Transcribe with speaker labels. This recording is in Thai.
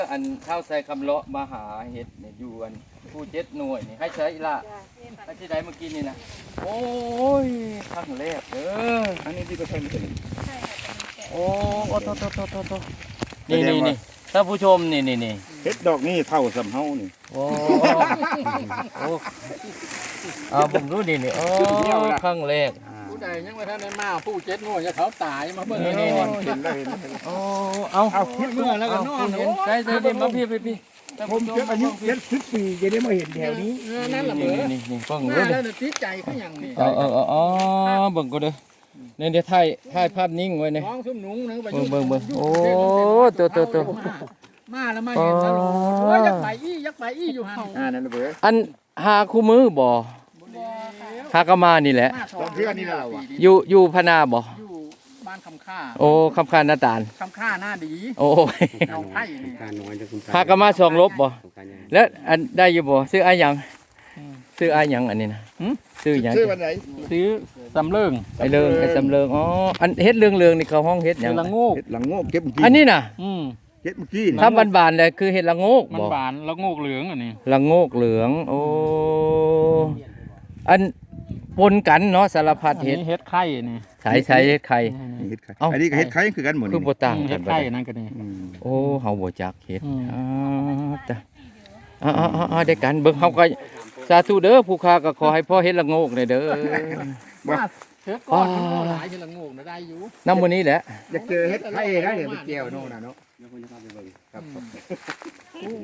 Speaker 1: อันข้าวใส่คำเลาะมาหาเห็ดเนี่ยอยู่อันผู้7 หน่วยนี่ให้ใช้ละให้ที่ใดเมื่อกี้นี่นะโอ้ยครั้งแรกเด้ออันนี้ที่ก็ใช่ไม่ใช่โอ้โอ้โตนี่ท่านผู้ชมนี่
Speaker 2: เฮ็ดดอกนี่เท่าสำเฮานี่
Speaker 1: โอ้ผมรู้นี่โอ้ครั้งแรก
Speaker 3: ผู้ใดยังไม่ทันได้มาผู้7 หน่วยจะเขาตายมาเบิ่ง
Speaker 1: นี่
Speaker 2: เห็นแล้ว
Speaker 1: โอ้เอา
Speaker 3: เมื่อแล้วก็นอน
Speaker 1: ใช่มาพี่
Speaker 2: ผมเก็บอายุ70 ปีจะได้มาเห็นแถวนี้
Speaker 3: นั่นล่ะเบิ่ง
Speaker 1: นี่เบิ่ง
Speaker 3: มา
Speaker 1: รู้
Speaker 3: แล้
Speaker 1: ดิ
Speaker 3: วติดใจเขาอย่างนี้
Speaker 1: อ๋อเบิ่งก็เด้อนี่เดี๋ยวถ่ายภาพนิ่งไว้นี่
Speaker 3: น้องซุ่มหนุ่งนึงไป
Speaker 1: เบิ่งโอ้ตัว
Speaker 3: มาแล้วมาเห็นแล้วโอ้ยยักไปอี้อยู่หั่น
Speaker 2: นั่นเบ้อ
Speaker 1: อันหาคู่มือบ่หากะมานี่แหละ
Speaker 2: ตอนเพื่อนนี่เราอ่ะ
Speaker 1: อยู่พนาบ่
Speaker 3: อยู่บ้านคำค่า
Speaker 1: โอ้คำคานหน้าตาล
Speaker 3: คำค่าหน้าดี
Speaker 1: โอ้ย
Speaker 3: เอาไผ่นี่
Speaker 4: การน้อยจะคุณ
Speaker 1: หากะมา2 ลบบ่แล้วอันได้อยู่บ่ซื้ออาหยังซื้ออาหยังอันนี้นะซื้อหยัง
Speaker 2: ชื่อวันไหน
Speaker 3: ซื้อสำเริง
Speaker 1: ไอ้สำเริงอ๋ออันเฮ็ดเรืองนี่เขาห้องเฮ็ดหยัง
Speaker 3: ละโงก
Speaker 2: เฮ็ดหลังโงกเก็บเมื่อกี้
Speaker 1: อันนี้น่ะ
Speaker 2: เก็บเมื่อกี้
Speaker 1: ถ้าบานๆเลยคือเห็ดละโงก
Speaker 3: มัน
Speaker 1: บ่
Speaker 3: บานละโงกเหลืองอันนี้
Speaker 1: ละโงกเหลือง โอ้อันปนกันเนาะสารพัดเห็ด
Speaker 3: เฮ็ดไข่นี่
Speaker 1: ใช้เห็ดไข่
Speaker 2: นี่เฮ็ดไข่
Speaker 1: เอ้า
Speaker 2: อันนี้ก็เฮ็ดไข่คือกันหมด
Speaker 1: คือ
Speaker 2: นี่
Speaker 1: บ่ต่างกั
Speaker 3: เฮ็
Speaker 1: น
Speaker 3: ด
Speaker 1: บ่
Speaker 3: ไข่
Speaker 1: ได้
Speaker 3: นั่นก็นี่
Speaker 1: โอ้เฮาบ่จักเห็ด
Speaker 3: อืม
Speaker 1: จ้ะได้กันเบิ่งเฮาก็สาธุเด้อผู้ค้าก็ขอให้พ่อเฮ็ดละโงกได้เด้อ
Speaker 3: เฮ็ดก้อนมันหลายเฮ็ดละโงกน่ะได้อยู่
Speaker 1: นำมื้อนี้แหละ
Speaker 2: อยากเจอเฮ็ดไข่นะเดี๋ยวไปเกี่ยวโน่นน่ะเนาะครับ